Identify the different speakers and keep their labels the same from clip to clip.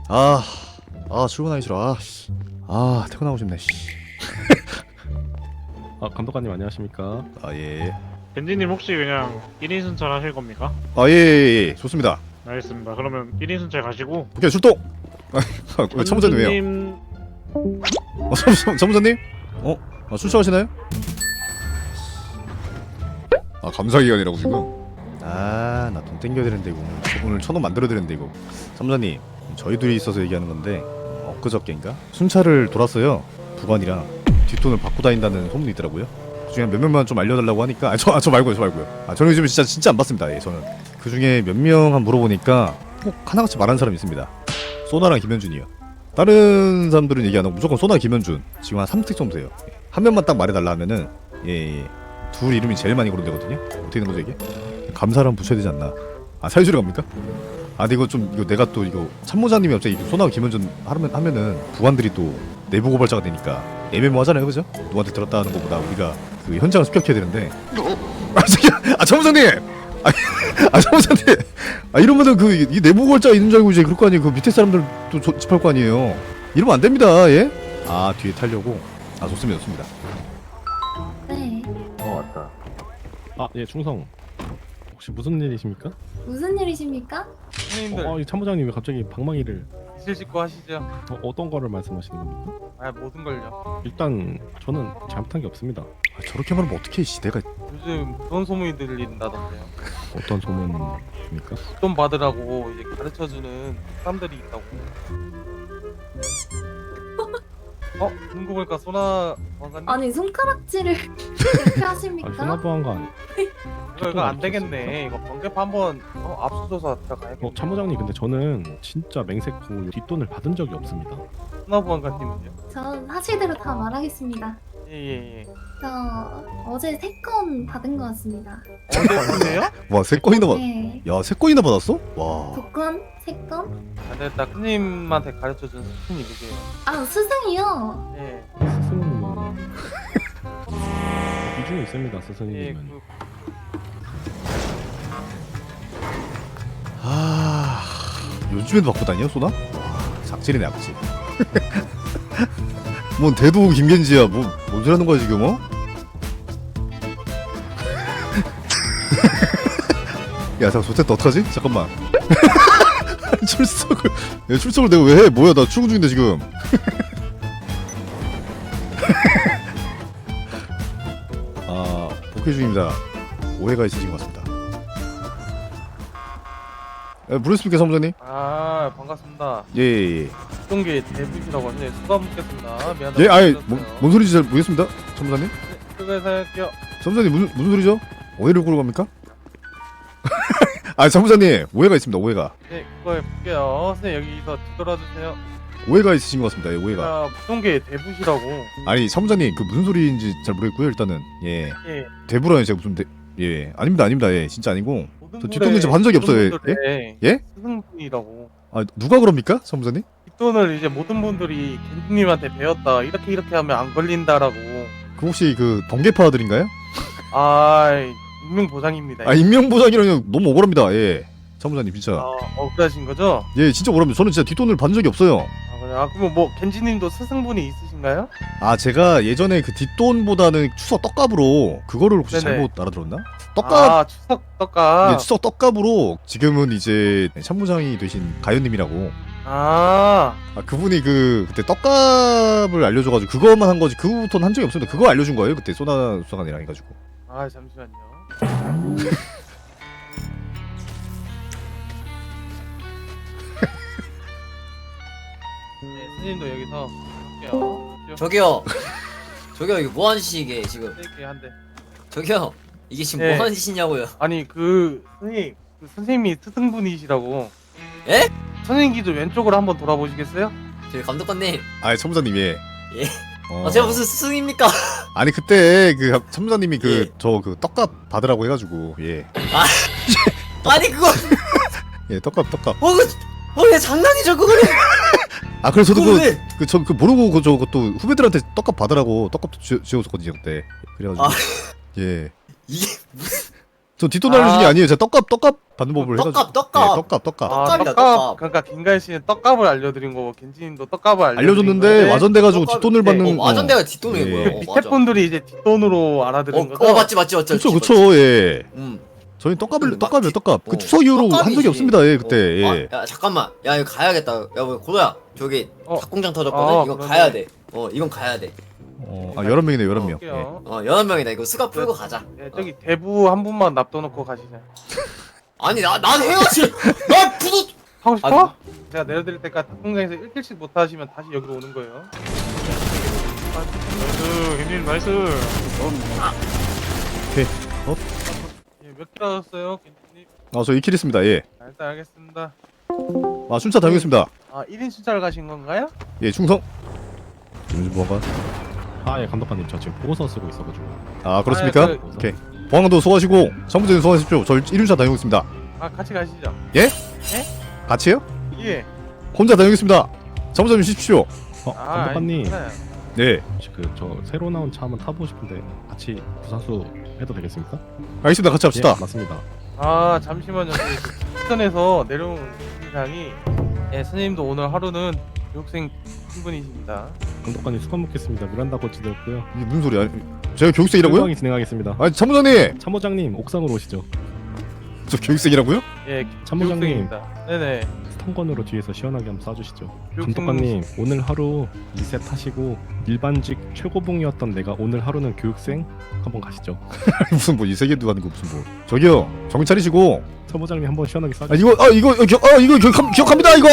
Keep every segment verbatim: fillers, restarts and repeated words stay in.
Speaker 1: 아, 아 출근하기 싫어. 아, 씨. 아 퇴근하고 싶네. 씨.
Speaker 2: 아 감독관님 안녕하십니까?
Speaker 1: 아 예.
Speaker 3: 벤지님 혹시 그냥 일 인 순찰 하실 겁니까?
Speaker 1: 아 예, 예, 예. 좋습니다.
Speaker 3: 알겠습니다. 그러면 일 인 순찰 가시고
Speaker 1: 오케이 출동. 아, 왜 참모자님 왜요?
Speaker 3: 선수님
Speaker 1: 어, 참, 참, 참모자님? 어? 아, 출석하시나요? 아 감사기간이라고 지금? 아 나 돈 땡겨야 되는데 이거 오늘 천 원 만들어야 되는데 이거. 참모자님 저희 둘이 있어서 얘기하는 건데 엊그저께인가? 순찰을 돌았어요. 부관이랑 뒷돈을 받고 다닌다는 소문이 있더라고요. 그중에 몇 명만 좀 알려달라고 하니까 아, 저, 아, 저 말고요 저 말고요. 아 저는 요즘 진짜 진짜 안 받습니다. 예 저는 그중에 몇 명 한 물어보니까 꼭 하나같이 말하는 사람이 있습니다. 소나랑 김현준이요. 다른 사람들은 얘기 안 하고 무조건 소나 김현준 지금 한 삼 틱 정도 돼요. 한 명만 딱 말해달라 하면은 예, 예. 둘 이름이 제일 많이 거론되거든요. 어떻게 된 거죠 이게? 감사를 한번 붙여야 되지 않나? 아 사유지로 갑니까? 아 근데 이거 좀 이거 내가 또 이거 참모자님이 갑자기 소나 김현준 하면, 하면은 부관들이 또 내부 고발자가 되니까 애매모하잖아요 그죠? 누구한테 들었다 하는 것보다 우리가 그 현장을 습격해야 되는데 아 저기 아 참모장님! 아, 아 참모장님! 아 이러면은 그 이 내부 고발자가 있는 줄 알고 이제 그럴 거 아니에요. 그 밑에 사람들 또 조, 집할 거 아니에요. 이러면 안 됩니다. 예? 아 뒤에 타려고? 아 좋습니다 좋습니다.
Speaker 4: 네.
Speaker 5: 어 왔다.
Speaker 2: 아 예 충성. 혹시 무슨 일이십니까?
Speaker 4: 무슨 일이십니까?
Speaker 6: 선생님들
Speaker 2: 어, 이 참모장님 왜 갑자기 방망이를
Speaker 6: 이실 씻고 하시죠.
Speaker 2: 어, 어떤 거를 말씀하시는 겁니까?
Speaker 6: 아 모든 걸요.
Speaker 2: 일단 저는 잘못한 게 없습니다.
Speaker 1: 아, 저렇게 말하면 어떡해 씨 내가
Speaker 6: 요즘 그런 소문이 들린다던데요.
Speaker 2: 어떤 소문입니까?
Speaker 6: 돈 받으라고 이제 가르쳐주는 사람들이 있다고. 어? 듣고 보니까 소나 관관님?
Speaker 4: 아니 손가락질을 이렇게
Speaker 2: 아니
Speaker 4: 하십니까?
Speaker 2: 소나보안관.
Speaker 6: 이거 이거 안 되겠네. 이거 번개파 한번 어, 압수조사 들어가야겠네.
Speaker 2: 어 참모장님 근데 저는 진짜 맹세코 뒷돈을 받은 적이 없습니다.
Speaker 6: 소나 보안관님은요?
Speaker 4: 저 사실대로 다 말하겠습니다.
Speaker 6: 예예예.
Speaker 4: 저 어제 세 건 받은 것 같습니다.
Speaker 6: 어제 어제요?
Speaker 1: 와 세 건이나 받..
Speaker 4: 네.
Speaker 1: 야 세 건이나 받았어? 와
Speaker 4: 두 건? 세 건?
Speaker 6: 안 됐다. 큰님한테 가르쳐준 스승이 누구예요?
Speaker 4: 아 스승이요?
Speaker 6: 예.
Speaker 2: 스승님은 비중이 있습니다.
Speaker 6: 예.
Speaker 2: 스승님은.
Speaker 6: 그
Speaker 1: 아 요즘에도 받고 다녀 소나? 와 작질이네 악질. 뭔 대도 김겐지야 뭐 뭔 소리 하는 거야 지금 어? 야 잠깐 좋댔다 어떡하지? 잠깐만. 출석을 야, 출석을 내가 왜 해? 뭐야 나 출근 중인데 지금. 아 복귀 중입니다. 오해가 있으신 것 같습니다. 에, 부르셨습니까 사무장님?
Speaker 6: 아 반갑습니다.
Speaker 1: 예예예. 예,
Speaker 6: 동계 대부시라고 하시네. 수고 묻겠습니다. 미안합니다.
Speaker 1: 예. 예, 아예 뭔, 뭔 소리인지 잘 모르겠습니다 사무장님.
Speaker 6: 수고해서 할게요.
Speaker 1: 사무장님 무슨 무슨 소리죠? 오해를 끌고 갑니까? 아 사무장님 오해가 있습니다 오해가.
Speaker 6: 네, 그거 해볼게요. 선생님 여기서 뒤돌아주세요.
Speaker 1: 오해가 있으신 것 같습니다. 예, 오해가.
Speaker 6: 제가 부동계 대부시라고.
Speaker 1: 아니 사무장님 그 무슨 소리인지 잘 모르겠고요. 일단은 예
Speaker 6: 예.
Speaker 1: 대부라니 제가 무슨 대.. 예 아닙니다 아닙니다. 예 진짜 아니고
Speaker 6: 모든
Speaker 1: 저
Speaker 6: 분의-
Speaker 1: 뒷돈 좀 한 적이 없어요. 예?
Speaker 6: 모든 분들의
Speaker 1: 예?
Speaker 6: 스승분이라고.
Speaker 1: 아 누가 그럽니까 사무장님?
Speaker 6: 뒷돈을 이제 모든 분들이 겐지님한테 배웠다. 이렇게 이렇게 하면 안 걸린다라고.
Speaker 1: 그 혹시 그 번개파들인가요?
Speaker 6: 아, 익명 보장입니다.
Speaker 1: 아 인명보장이라니 너무 억울합니다. 예 사무장님 진짜
Speaker 6: 아, 억울하신 거죠?
Speaker 1: 예 진짜 억울합니다. 저는 진짜 뒷돈을 받은 적이 없어요.
Speaker 6: 아, 그래. 아, 그러면 뭐 겐지님도 스승분이 있으신가요?
Speaker 1: 아 제가 예전에 그 뒷돈보다는 추석 떡값으로 그거를 혹시
Speaker 6: 네네.
Speaker 1: 잘못 알아들었나? 떡값
Speaker 6: 아, 추석 떡값.
Speaker 1: 예, 추석 떡값으로 지금은 이제 참모장이 되신 가연님이라고.
Speaker 6: 아,
Speaker 1: 아 그분이 그 그때 떡값을 알려줘가지고 그것만 한 거지 그 후부터는 한 적이 없습니다. 그거 알려준 거예요 그때 소나 수사관이랑 해가지고.
Speaker 6: 아 잠시만요. 네, 선생님도 여기서 할게요.
Speaker 5: 저기요. 저기요 이게 뭐하는 짓이 이게 지금.
Speaker 6: 이렇게 한 대.
Speaker 5: 저기요 이게 지금
Speaker 6: 네.
Speaker 5: 뭐하는 짓이냐고요.
Speaker 6: 아니 그 선생님, 그 선생님이 스승분이시라고.
Speaker 5: 에?
Speaker 6: 선생님 기준 왼쪽으로 한번 돌아보시겠어요?
Speaker 5: 저기 감독관님.
Speaker 1: 아 참모장님 예.
Speaker 5: 예.
Speaker 1: 어.
Speaker 5: 아 제가 무슨 스승입니까?
Speaker 1: 아니 그때 그 참모장님이 그
Speaker 5: 예.
Speaker 1: 저 그 떡값 받으라고 해가지고 예.
Speaker 5: 아니 그거
Speaker 1: 예 떡값 떡값.
Speaker 5: 어 그. 어왜 장난이죠 그거는.
Speaker 1: 아 그래서 저도
Speaker 5: 그걸
Speaker 1: 그
Speaker 5: 왜?
Speaker 1: 그 저 그 모르고 그 저 그것도 후배들한테 떡값 받으라고 떡값도 쥐- 쥐어줬거든요 그때. 그래가지고
Speaker 5: 아.
Speaker 1: 예.
Speaker 5: 이게 무슨
Speaker 1: 저 뒷돈 알려준 게
Speaker 6: 아.
Speaker 1: 아니에요. 제가 떡값 떡값 받는 법을
Speaker 5: 떡값,
Speaker 1: 해가지고.
Speaker 5: 떡값.
Speaker 1: 예, 떡값 떡값.
Speaker 6: 아
Speaker 5: 떡값이다,
Speaker 6: 떡값.
Speaker 5: 떡값.
Speaker 6: 그러니까 김가희 씨는 떡값을 알려드린 거고 겐지님도 떡값을 알려드린
Speaker 1: 알려줬는데
Speaker 6: 건데
Speaker 1: 와전돼가지고
Speaker 5: 떡값-
Speaker 1: 뒷돈을
Speaker 5: 네,
Speaker 1: 받는.
Speaker 5: 어, 와전대가 뒷돈이
Speaker 1: 예.
Speaker 5: 뭐야?
Speaker 6: 그
Speaker 5: 어,
Speaker 6: 밑에
Speaker 5: 맞아.
Speaker 6: 분들이 이제 뒷돈으로 알아들은
Speaker 5: 어,
Speaker 6: 거죠.
Speaker 5: 어 맞지 맞지 맞지.
Speaker 1: 그쵸
Speaker 5: 맞지,
Speaker 1: 그쵸 예.
Speaker 5: 맞지. 음.
Speaker 1: 저희 떡값을
Speaker 5: 막
Speaker 1: 떡값이요
Speaker 5: 뒷-
Speaker 1: 떡값. 그
Speaker 5: 어,
Speaker 1: 추석 이후로 한 적이
Speaker 5: 떡값이지.
Speaker 1: 없습니다. 예 그때.
Speaker 5: 어,
Speaker 1: 예.
Speaker 5: 아, 야 잠깐만. 야 이거 가야겠다. 야 뭐 고도야. 저기
Speaker 6: 어.
Speaker 5: 닭공장 터졌거든.
Speaker 6: 어,
Speaker 5: 이거
Speaker 6: 그러네.
Speaker 5: 가야 돼. 어 이건 가야 돼.
Speaker 1: 어, 아 열한 명이네 열한 명. 예.
Speaker 6: 할게요.
Speaker 5: 어 여덟 명이다. 이거 수갑 풀고 가자.
Speaker 6: 예, 저기 대부 한 분만 납둬놓고 가시자.
Speaker 5: 아니 나 난 해야지. 나 부도.
Speaker 6: 하고 싶어?
Speaker 5: 아,
Speaker 6: 제가 내려드릴 때까지 닭공장에서 일 킬씩 못 하시면 다시 여기로 오는 거예요.
Speaker 3: 나이스 겐지님 나이스.
Speaker 1: 오케이. 어?
Speaker 6: 예, 몇 킬 하셨어요, 겐지님?
Speaker 1: 아저 이 킬 했습니다. 예.
Speaker 6: 아, 일단 알겠습니다.
Speaker 1: 아 순차 다녀오겠습니다.
Speaker 6: 아, 일 인 순찰 가신 건가요?
Speaker 1: 예 충성. 김준 보안관.
Speaker 2: 아예 감독관님 저 지금 보고서 쓰고 있어가지고.
Speaker 1: 아 그렇습니까?
Speaker 6: 아, 그-
Speaker 1: 오케이. 보안관도 수고하시고 성부장님 수고하십시오. 저 일 륜차 다녀오겠습니다.
Speaker 6: 아, 같이 가시죠.
Speaker 1: 같이요?
Speaker 6: 예.
Speaker 1: 혼자 다녀오겠습니다. 성부장님 쉬십시오.
Speaker 2: 어
Speaker 6: 아,
Speaker 2: 감독관님
Speaker 6: 괜찮아요.
Speaker 1: 네.
Speaker 2: 혹시 그 저 새로 나온 차 한번 타보고 싶은데 같이 부산수 해도 되겠습니까?
Speaker 1: 알겠습니다. 같이 합시다.
Speaker 2: 예, 맞습니다.
Speaker 6: 아, 잠시만요. 부천에서 내려온 이상이 예, 선생님도 오늘 하루는 교육생 신분이십니다.
Speaker 2: 감독관님 수고 먹겠습니다. 미란다 코치 되었고요.
Speaker 1: 이게 무슨 소리야? 제가 교육생이라고요?
Speaker 2: 조용히 진행하겠습니다.
Speaker 1: 아니 참모장님,
Speaker 2: 참모장님 옥상으로 오시죠.
Speaker 1: 저 교육생이라고요?
Speaker 6: 예,
Speaker 2: 참모장님.
Speaker 6: 교육생입니다. 네네.
Speaker 2: 스턴건으로 뒤에서 시원하게 한번 쏴주시죠.
Speaker 6: 교육생-
Speaker 2: 감독관님 오늘 하루 리셋 하시고 일반직 최고봉이었던 내가 오늘 하루는 교육생 한번 가시죠.
Speaker 1: 무슨 뭐 이 세계도 하는 거 무슨 뭐? 저기요, 정신 차리시고.
Speaker 2: 참모장님 한번 시원하게 쏴주시죠.
Speaker 1: 아 이거 아 이거 어, 기억 아 이거 기억, 기억합니다 이거.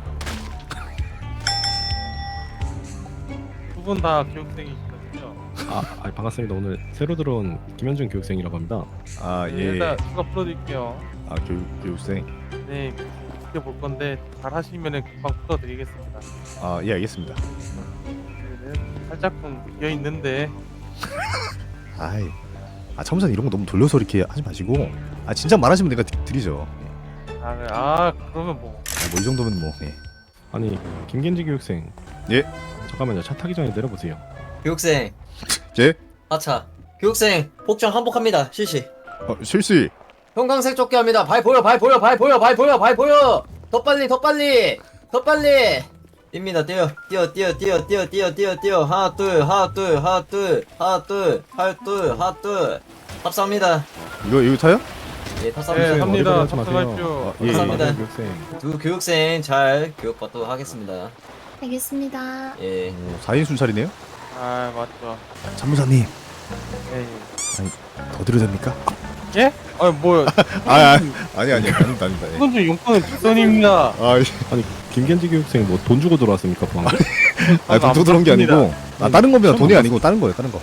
Speaker 6: 두 분 다 교육생이시거든요.
Speaker 2: 아, 아 반갑습니다. 오늘 새로 들어온 김현준 교육생이라고 합니다.
Speaker 1: 아
Speaker 6: 예,
Speaker 1: 예.
Speaker 6: 일단 수가 풀어드릴게요.
Speaker 1: 아 교육 교육생.
Speaker 6: 네, 지켜볼 건데 잘 하시면은 금방 풀어드리겠습니다.
Speaker 1: 아 예 알겠습니다.
Speaker 6: 네, 살짝쿵 비어 있는데
Speaker 1: 아이, 아 참모장 이런 거 너무 돌려서 이렇게 하지 마시고. 아 진짜 말하시면 내가 드, 드리죠.
Speaker 6: 아, 네. 아 그러면 뭐
Speaker 1: 뭐 이 정도면 뭐. 예.
Speaker 2: 아니 김겐지 교육생.
Speaker 1: 예?
Speaker 2: 잠깐만요. 차 타기 전에 내려보세요.
Speaker 5: 교육생.
Speaker 1: 예?
Speaker 5: 아차. 교육생 복장 한복합니다. 실시.
Speaker 1: 어, 실시.
Speaker 5: 형광색 조끼 합니다. 발 보여, 발 보여, 발 보여, 발 보여, 발 보여. 더 빨리, 더 빨리, 더 빨리. 뜁니다. 뛰어, 뛰어, 뛰어, 뛰어, 뛰어, 뛰어, 뛰어, 뛰어. 하나, 둘, 하나, 둘, 하나, 둘, 하나, 둘, 하나, 둘, 하나, 둘. 탑사합니다.
Speaker 1: 이거 이거 타요?
Speaker 5: 예,
Speaker 6: 네,
Speaker 5: 탑사합니다.
Speaker 6: 합니다.
Speaker 2: 어디로 가지 마세요.
Speaker 6: 탑승하십시오.
Speaker 1: 아, 예, 예.
Speaker 5: 감사합니다.
Speaker 2: 교육생.
Speaker 5: 두 교육생 잘 교육받도록 하겠습니다.
Speaker 4: 알겠습니다.
Speaker 5: 예.
Speaker 1: 오, 사 인 순찰이네요.
Speaker 6: 아 맞죠.
Speaker 1: 참모장님
Speaker 6: 예, 예.
Speaker 1: 더 드려도 됩니까?
Speaker 6: 예? 아 뭐야?
Speaker 1: 아, 아 아니 아니 아닙니다 아닙니다. 예.
Speaker 6: 이건 좀 용건은 뒷선입니다.
Speaker 1: 아,
Speaker 2: 아니 김겐지 교육생 뭐 돈 주고 들어왔습니까? 보안.
Speaker 1: 아, 돈 들어온 게 아니고, 아, 다른 겁니다. 돈이 아니고, 다른 거예요, 다른 거.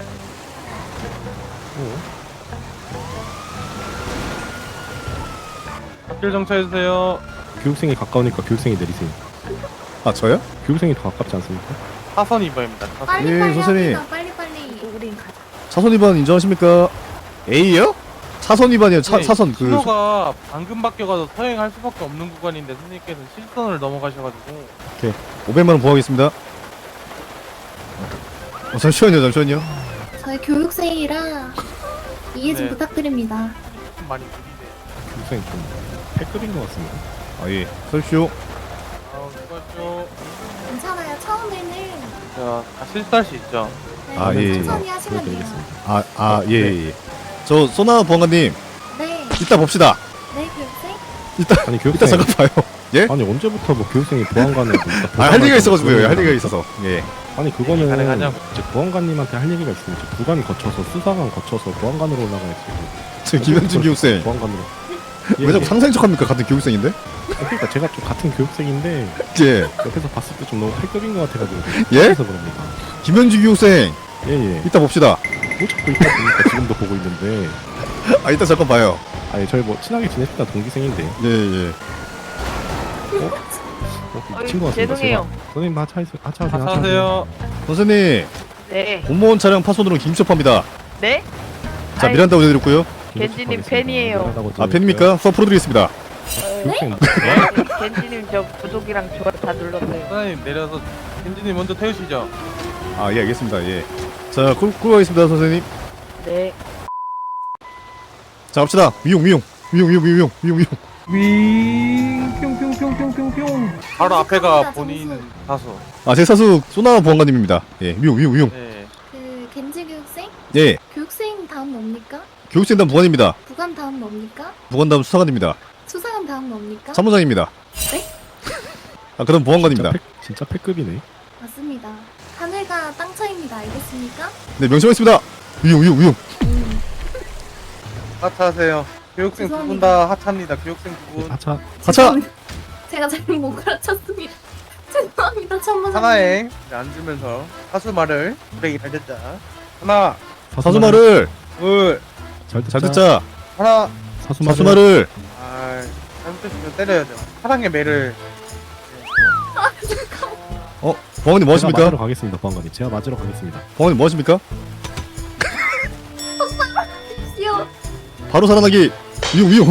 Speaker 6: 앞길 정차해주세요.
Speaker 2: 교육생이 가까우니까 교육생이 내리세요.
Speaker 1: 아, 저요?
Speaker 2: 교육생이 더 가깝지 않습니까?
Speaker 6: 사선 이번입니다. 사선.
Speaker 4: 빨리
Speaker 1: 예,
Speaker 4: 빨리
Speaker 1: 선생님.
Speaker 4: 합니다. 빨리 빨리. 우린 가자.
Speaker 1: 차선 위반 인정하십니까? A요? 차선 위반이요, 차,
Speaker 6: 네,
Speaker 1: 차선, 그.
Speaker 6: 신호가 방금 바뀌어가서 서행할 수밖에 없는 구간인데 선생님께서는 실선을 넘어가셔가지고
Speaker 1: 오백만 원 부과하겠습니다. 어, 잠시만요, 잠시만요.
Speaker 4: 저희 교육생이라 이해 좀
Speaker 6: 네.
Speaker 4: 부탁드립니다.
Speaker 6: 좀 많이 느리네.
Speaker 2: 교육생 좀 패급인 것 같습니다.
Speaker 1: 아, 예. 서십시오.
Speaker 6: 아우 수고하십시오.
Speaker 4: 괜찮아요. 처음에는
Speaker 6: 자, 다 실수할 수 있죠.
Speaker 4: 네,
Speaker 1: 아, 예, 예.
Speaker 4: 천천히 하시면 돼요.
Speaker 2: 보여드리겠습니다.
Speaker 1: 아, 아, 예, 예. 예. 저, 소나 보안관님,
Speaker 4: 네,
Speaker 1: 이따 봅시다.
Speaker 4: 네 교육생.
Speaker 2: 아니
Speaker 1: 이따
Speaker 2: 교육생.
Speaker 1: 잠깐 봐요. 예?
Speaker 2: 아니 언제부터 뭐 교육생이 보안관을
Speaker 1: 아, 할 얘기가 있어가지고요, 할 얘기가 있어서. 예.
Speaker 2: 아니 그거는
Speaker 6: 가능하냐고.
Speaker 2: 이제 보안관님한테 할 얘기가 있으면 이제 구간 거쳐서 수사관 거쳐서 보안관으로 올라가야지.
Speaker 1: 저 김현진 교육생.
Speaker 2: 보안관으로. 예,
Speaker 1: 왜 자꾸
Speaker 2: 예.
Speaker 1: 상생 척 합니까? 같은 교육생인데?
Speaker 2: 그러니까 제가 좀 같은 교육생인데
Speaker 1: 예.
Speaker 2: 옆에서 봤을 때 좀 너무 패급인 것 같아가지고.
Speaker 1: 예?
Speaker 2: 그래서 그럽니다.
Speaker 1: 김현진 교육생,
Speaker 2: 예예.
Speaker 1: 이따 봅시다.
Speaker 2: 뭐 자꾸 있다 보니까 지금도 보고 있는데.
Speaker 1: 아, 이따 잠깐 봐요.
Speaker 2: 아니 저희 뭐 친하게 지냈던 동기생인데.
Speaker 1: 예, 예.
Speaker 2: 어,
Speaker 7: 어이,
Speaker 2: 친구 같습니다.
Speaker 7: 죄송해요.
Speaker 2: 제가. 선생님 하차 하차 하차 하세요.
Speaker 6: 하차하세요.
Speaker 1: 선생님,
Speaker 7: 네.
Speaker 1: 공무원 차량 파손으로 김첩합니다.
Speaker 7: 네?
Speaker 1: 자,
Speaker 7: 아이,
Speaker 1: 미란다 올려드렸고요.
Speaker 7: 겐지님 팬이에요.
Speaker 1: 아, 팬입니까? 수업 풀어드리겠습니다.
Speaker 2: 교육생
Speaker 7: 네, 겐지님 저 구독이랑 좋아요 다 눌렀어요.
Speaker 6: 사장님 내려서 겐지님 먼저 태우시죠.
Speaker 1: 아, 예, 알겠습니다. 예. 자, 끌, 끌고 가겠습니다, 선생님.
Speaker 7: 네.
Speaker 1: 자 갑시다. 미용 미용 미용 미용 미용 미용 미용.
Speaker 2: 윙 뿅뿅뿅뿅뿅뿅.
Speaker 6: 바로 앞에가
Speaker 4: 점수.
Speaker 6: 본인 사수.
Speaker 1: 아제 사수 소나 보안관님입니다. 예 미용 미용 미용.
Speaker 6: 네.
Speaker 4: 그 겐지 교육생?
Speaker 1: 예
Speaker 4: 교육생 다음 뭡니까?
Speaker 1: 교육생단 보관입니다.
Speaker 4: 부관 다음 뭡니까?
Speaker 1: 보관다음 수사관입니다.
Speaker 4: 수사관 다음 뭡니까?
Speaker 1: 사무장입니다.
Speaker 4: 네?
Speaker 1: 아 그럼 보안관입니다.
Speaker 2: 진짜, 패, 진짜 패급이네.
Speaker 4: 맞습니다. 하늘과 땅 차이입니다. 알겠습니까?
Speaker 1: 네 명심하겠습니다. 미용 미용 미용.
Speaker 4: 음.
Speaker 6: 하차하세요. 교육생 두 분
Speaker 4: 죄송합니다.
Speaker 6: 다 하차입니다. 교육생 두 분.
Speaker 2: 하차.
Speaker 1: 하차.
Speaker 4: 죄송합니다. 제가 잘못 못 가르쳤습니다. 죄송합니다. 참모장님.
Speaker 6: 하나에 이제 앉으면서 사수 말을 브레이크 잘 듣자. 하나,
Speaker 1: 사수 말을
Speaker 6: 둘,
Speaker 2: 잘 듣자.
Speaker 1: 잘 듣자.
Speaker 6: 하나.
Speaker 2: 사수
Speaker 1: 사수
Speaker 2: 말을.
Speaker 1: 말을.
Speaker 6: 아, 잘못했으면 때려야죠. 사랑의 매를.
Speaker 1: 어 보안관님 뭐
Speaker 2: 제가
Speaker 1: 하십니까?
Speaker 2: 맞으러 가겠습니다, 보안관님. 제가 맞으러 가겠습니다.
Speaker 1: 보안관님 뭐 하십니까?
Speaker 4: 귀여워.
Speaker 1: 바로 살아나기. 미용 미용.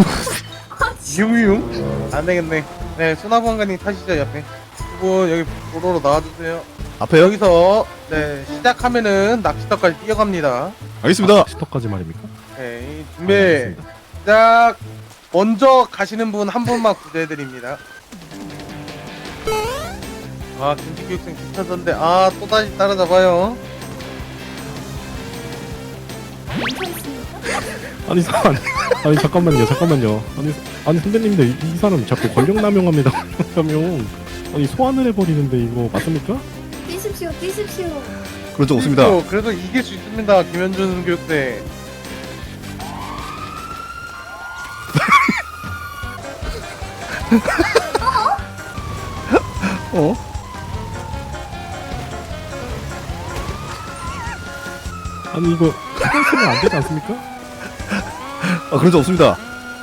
Speaker 6: 유유용. 안 되겠네. 네, 수나보안관님 타시죠 옆에. 두 분 여기 도로로 나와주세요.
Speaker 1: 앞에요?
Speaker 6: 여기서 네 시작하면은 낚시터까지 뛰어갑니다.
Speaker 1: 알겠습니다.
Speaker 2: 시터까지 말입니까?
Speaker 6: 오케이 준비
Speaker 2: 알겠습니다.
Speaker 6: 시작. 먼저 가시는 분 한 분만 구제해드립니다. 아 김치 교육생 지쳐졌는데 아 또다시 따라잡아요.
Speaker 4: 괜찮습니까?
Speaker 2: 아니 사 아니, 아니 잠깐만요, 잠깐만요. 아니 아니 선배님들 이, 이 사람 자꾸 권력 남용합니다. 권력 남용. 아니 소환을 해버리는데 이거 맞습니까?
Speaker 4: 뛰십시오. 뛰십시오.
Speaker 1: 그런 적 없습니다.
Speaker 6: 그래도, 그래도 이길 수 있습니다 김현준 교육생.
Speaker 1: 어?
Speaker 2: 아니 이거 이걸 쓰면 안 되지 않습니까?
Speaker 1: 아 그런 적 없습니다.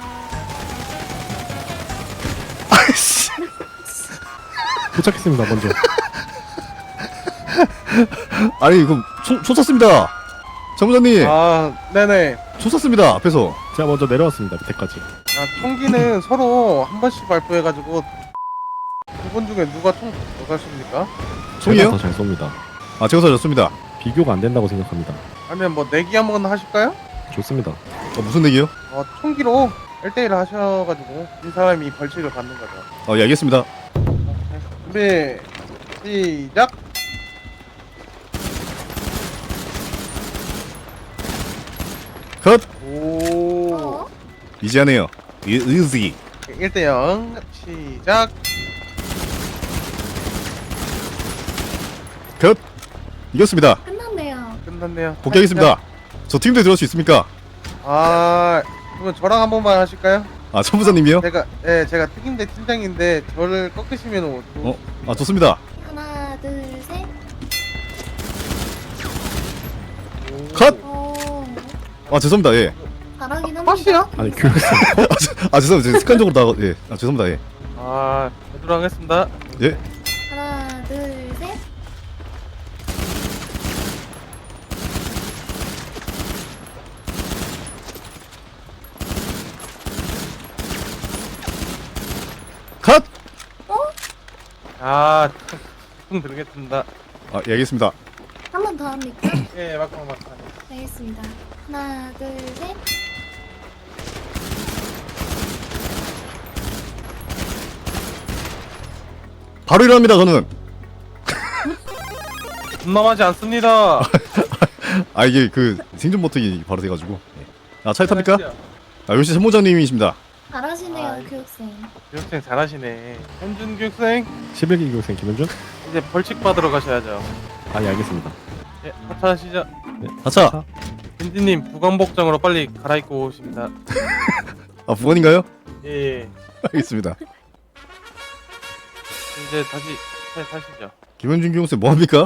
Speaker 1: 아이씨.
Speaker 2: 도착했습니다, 먼저.
Speaker 1: 아니 이거 총, 총 쐈습니다. 장부장님
Speaker 6: 아 네네.
Speaker 1: 총 쐈습니다 앞에서.
Speaker 2: 제가 먼저 내려왔습니다, 밑에까지.
Speaker 6: 아 총기는 서로 한 번씩 발표해가지고 두 분 중에 누가 총 더 쐈습니까?
Speaker 1: 총이요?
Speaker 2: 더잘 쏩니다.
Speaker 1: 아 제가 쐈습니다.
Speaker 2: 비교가 안 된다고 생각합니다.
Speaker 6: 아니면 뭐 내기 한번 하실까요?
Speaker 2: 좋습니다.
Speaker 1: 어, 무슨 얘기요?
Speaker 6: 어 총기로 일 대일 하셔가지고 이 사람이 벌칙을 받는 거죠.
Speaker 1: 어, 예 알겠습니다.
Speaker 6: 준비 시작.
Speaker 1: 컷.
Speaker 6: 오
Speaker 4: 어?
Speaker 1: 이제 하네요. 의지.
Speaker 6: 일 대 영 시작.
Speaker 1: 컷. 이겼습니다.
Speaker 4: 끝났네요.
Speaker 6: 끝났네요.
Speaker 1: 복귀하겠습니다. 저 팀대 들어올 수 있습니까?
Speaker 6: 아 그러면 저랑 한 번만 하실까요?
Speaker 1: 아 천부사님이요?
Speaker 6: 제가 예 제가 특임대 팀장인데 저를 꺾으시면 오-
Speaker 1: 어? 아 좋습니다.
Speaker 4: 하나, 둘, 셋.
Speaker 1: 컷.
Speaker 4: 어.
Speaker 1: 아 죄송합니다. 예.
Speaker 4: 잘하긴 합니다.
Speaker 6: 컷이요?
Speaker 2: 아니 교육생.
Speaker 1: 아 죄송합니다. 제가 습관적으로 나가. 예. 아 죄송합니다. 예.
Speaker 6: 아 제대로 하겠습니다.
Speaker 1: 예.
Speaker 4: 하나, 둘, 셋.
Speaker 1: 컷.
Speaker 6: 아 총 들겠습니다.
Speaker 1: 아 예 알겠습니다.
Speaker 4: 한 번 더 합니까?
Speaker 6: 예 막상 막상.
Speaker 4: 알겠습니다. 하나, 둘, 셋.
Speaker 1: 바로 일어납니다. 저는.
Speaker 6: 겁남하지 않습니다.
Speaker 1: 아 이게 그 생존 버튼이 바로 돼가지고. 예. 아 차에 탑니까? 아 역시 천부장님이십니다.
Speaker 4: 잘하시네요,
Speaker 6: 아,
Speaker 4: 교육생.
Speaker 6: 교육생 잘하시네. 현준 교육생
Speaker 2: 십일 기 교육생 김현준?
Speaker 6: 이제 벌칙 받으러 가셔야죠.
Speaker 2: 아, 예, 알겠습니다.
Speaker 6: 예 하차하시죠.
Speaker 1: 하차.
Speaker 6: 빈디님 부관복장으로 빨리 갈아입고 오십니다.
Speaker 1: 아 부관인가요?
Speaker 6: 예, 예.
Speaker 1: 알겠습니다.
Speaker 6: 이제 다시 차에 타시죠.
Speaker 1: 김현준 교육생 뭐 합니까?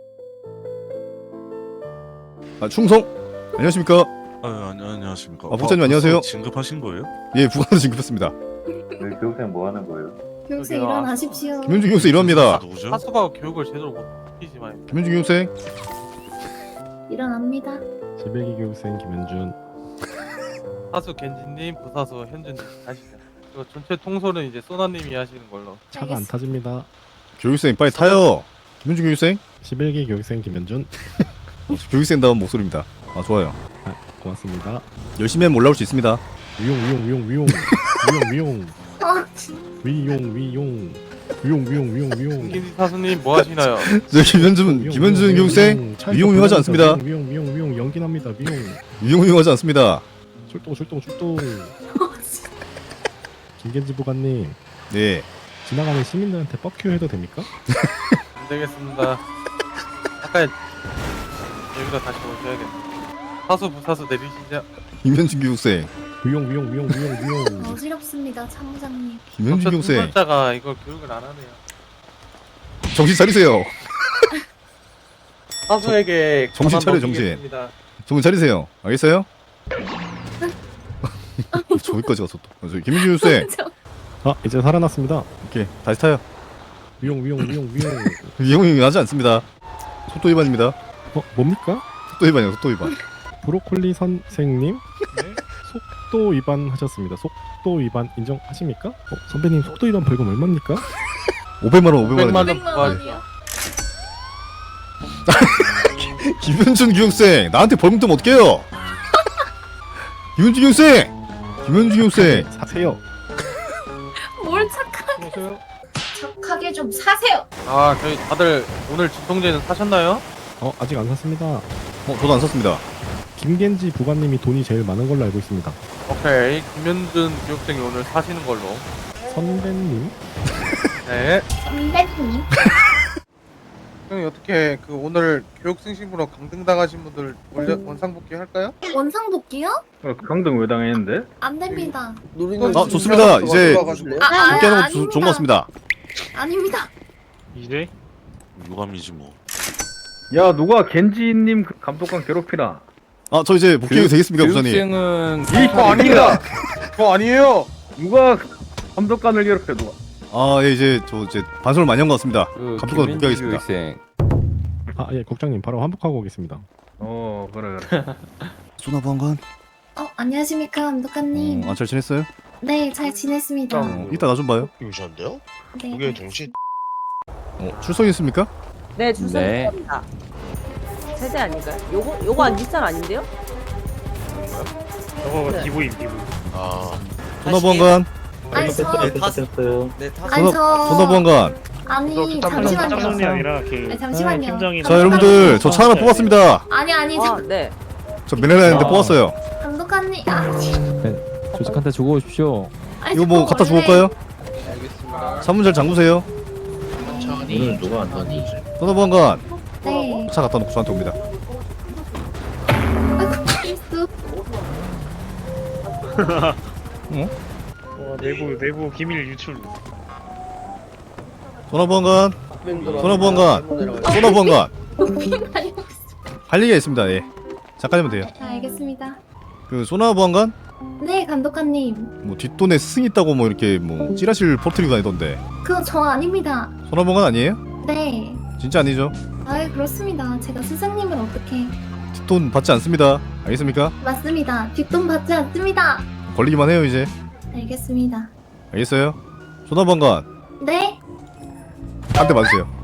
Speaker 1: 아 충성. 안녕하십니까?
Speaker 8: 아, 아니, 안녕하십니까.
Speaker 1: 아, 목사님 안녕하세요.
Speaker 8: 벌써 진급하신 거예요?
Speaker 1: 예 부관으로 진급했습니다.
Speaker 9: 네, 교육생 뭐 하는 거예요?
Speaker 4: 교육생
Speaker 6: 여기요.
Speaker 4: 일어나십시오.
Speaker 1: 김현준 교육생
Speaker 8: 아,
Speaker 1: 일어납니다.
Speaker 8: 누구죠?
Speaker 6: 하수가 교육을 제대로 못 시키지만
Speaker 1: 김현준 교육생.
Speaker 4: 일어납니다.
Speaker 2: 십일 기 교육생 김현준.
Speaker 6: 하수 겐지님, 부사수 현준님 가시죠. 그리고 전체 통솔은 이제 소나님이 하시는 걸로.
Speaker 2: 차가 안
Speaker 4: 알겠습니다.
Speaker 2: 타집니다.
Speaker 1: 교육생 빨리 타요. 김현준 교육생.
Speaker 2: 십일 기 교육생 김현준.
Speaker 1: 어, 교육생다운 목소리입니다. 아 좋아요.
Speaker 2: 고맙습니다.
Speaker 1: 열심히 하면 올라올 수 있습니다.
Speaker 2: 위용 위용 위용 위용 위용 위용
Speaker 4: 아,
Speaker 2: 위용 위용 위용 위용 위용 위용.
Speaker 6: 김 사수님 뭐 하시나요?
Speaker 1: 저 김현준 김현준 교육생 위용 위용하지 않습니다.
Speaker 2: 위용 위용 위용 연기납니다. 위용
Speaker 1: 위용 위용하지 않습니다.
Speaker 2: 출동 출동 출동. 김겐지 부관님
Speaker 1: 네.
Speaker 2: 지나가는 시민들한테 뻑큐 해도 됩니까?
Speaker 6: 안 되겠습니다. 아까 여기다 다시 오셔야겠네. 사수 부사수 내리시죠.
Speaker 1: 김현준 교육생.
Speaker 2: 위용 위용 위용 위용 위용.
Speaker 4: 어지럽습니다, 참모장님.
Speaker 1: 김현준 교육생.
Speaker 6: 통솔자가 이걸 교육을 안 하네요.
Speaker 1: 정신 차리세요.
Speaker 6: 사수에게
Speaker 1: 정신
Speaker 6: 권한
Speaker 1: 차려, 정신.
Speaker 6: 넘기겠습니다.
Speaker 1: 정신 차리세요. 알겠어요? 저기까지 가서 또. 어, 저기 김현준 교육생.
Speaker 4: 저,
Speaker 2: 아 이제 살아났습니다.
Speaker 1: 오케이 다시 타요.
Speaker 2: 위용 위용 위용 위용.
Speaker 1: 위용 위용하지 않습니다. 속도 위반입니다.
Speaker 2: 어 뭡니까?
Speaker 1: 속도 위반이요. 속도 위반.
Speaker 2: 브로콜리 선생님 속도 위반 하셨습니다. 속도 위반 인정하십니까? 어, 선배님 속도 위반 벌금 얼마입니까?
Speaker 1: 오백만 원, 오백만 원.
Speaker 6: 오백만 원
Speaker 4: 오백만
Speaker 6: 부과하죠.
Speaker 4: 원이요.
Speaker 1: 김현준 교육생 나한테 벌금 뜨면 어떡해요? 김현준 교육생. 김현준 교육생.
Speaker 2: 사세요.
Speaker 4: 뭘 착하게, 착하게 좀 사세요.
Speaker 6: 아 저희 다들 오늘 진통제는 사셨나요?
Speaker 2: 어 아직 안 샀습니다.
Speaker 1: 어 저도 안 샀습니다.
Speaker 2: 김겐지 부관님이 돈이 제일 많은 걸로 알고 있습니다.
Speaker 6: 오케이 김현준 교육생이 오늘 사시는 걸로.
Speaker 2: 선배님
Speaker 6: 네.
Speaker 4: 선배님.
Speaker 6: 형이 어떻게 그 오늘 교육생 신분으로 강등 당하신 분들 원래 원상복귀 할까요?
Speaker 4: 원상복귀요?
Speaker 9: 강등 왜 당했는데?
Speaker 4: 안 됩니다.
Speaker 1: 아 좋습니다. 이제
Speaker 4: 아, 아,
Speaker 1: 복귀하는 거
Speaker 4: 아닙니다.
Speaker 1: 조- 좋은 것 같습니다.
Speaker 4: 아닙니다.
Speaker 3: 이제
Speaker 8: 유감이지 뭐.
Speaker 9: 야 누가 겐지님 그 감독관 괴롭히나?
Speaker 1: 아 저 이제 복귀해도 되겠습니까 부사님?
Speaker 6: 교육생은
Speaker 9: 이거 아닙니다.
Speaker 6: 저 아니에요.
Speaker 9: 누가 감독관을 괴롭혀 누가?
Speaker 1: 아 예, 이제 저 이제 반성을 많이 한 것 같습니다. 감독관 복귀하겠습니다.
Speaker 2: 아 예 국장님 바로 환복하고 오겠습니다.
Speaker 9: 어 그래 그래.
Speaker 1: 소나보안관.
Speaker 4: 어, 안녕하십니까, 감독관님.
Speaker 1: 어, 아, 잘 지냈어요?
Speaker 4: 네, 잘 지냈습니다.
Speaker 1: 어, 이따 나 좀 봐요.
Speaker 10: 오셨는데요?
Speaker 4: 네.
Speaker 10: 그게 동시
Speaker 1: 어, 출석했습니까?
Speaker 7: 네, 주소입니다. 세대 아닌가요? 요거 요거 안 뒷산 아닌데요?
Speaker 3: 저거
Speaker 7: 네.
Speaker 3: 기부임 기부.
Speaker 10: 아
Speaker 1: 소나보안관.
Speaker 4: 아니, 저,
Speaker 5: 네, 타.
Speaker 4: 아니, 저,
Speaker 1: 소나보안관.
Speaker 4: 아니,
Speaker 3: 짱순이
Speaker 4: 잠시만요.
Speaker 3: 아니라 그
Speaker 4: 네, 잠시만요.
Speaker 3: 팀장이.
Speaker 1: 자 여러분들 저 차 하나 뽑았습니다.
Speaker 4: 아니, 아니,
Speaker 7: 아,
Speaker 4: 저,
Speaker 7: 네.
Speaker 1: 저 메네라인데 뽑았어요.
Speaker 4: 감독관님. 아,
Speaker 2: 조직한테 주고 오십시오.
Speaker 4: 아니,
Speaker 1: 이거 뭐
Speaker 4: 저
Speaker 1: 갖다
Speaker 4: 원래-
Speaker 1: 주고 올까요? 사문 잘 잠그세요.
Speaker 10: 천천히 누가 안 던지지?
Speaker 1: 소나보안관.
Speaker 4: 네.
Speaker 1: 차 갖다 놓고 저한테 옵니다.
Speaker 4: 아이고, 실수.
Speaker 3: 와, 내부 내부 기밀 유출.
Speaker 1: 소나보안관. 소나보안관. 소나보안관.
Speaker 4: 아니,
Speaker 1: 할 얘기가 있습니다. 예. 잠깐이면 돼요.
Speaker 4: 자, 알겠습니다.
Speaker 1: 그 소나보안관
Speaker 4: 네, 감독관님.
Speaker 1: 뭐 뒷돈에 스승 있다고 뭐 이렇게 뭐 찌라시를 퍼뜨리고 다니던데
Speaker 4: 그거 저 아닙니다.
Speaker 1: 소나보안관 아니에요?
Speaker 4: 네.
Speaker 1: 진짜 아니죠?
Speaker 4: 아, 그렇습니다. 제가 스승님을 어떻게.
Speaker 1: 뒷돈 받지 않습니다. 알겠습니까?
Speaker 4: 맞습니다. 뒷돈 받지 않습니다.
Speaker 1: 걸리기만 해요 이제.
Speaker 4: 알겠습니다.
Speaker 1: 알겠어요? 소나보안관
Speaker 4: 네?
Speaker 1: 한 대 맞으세요.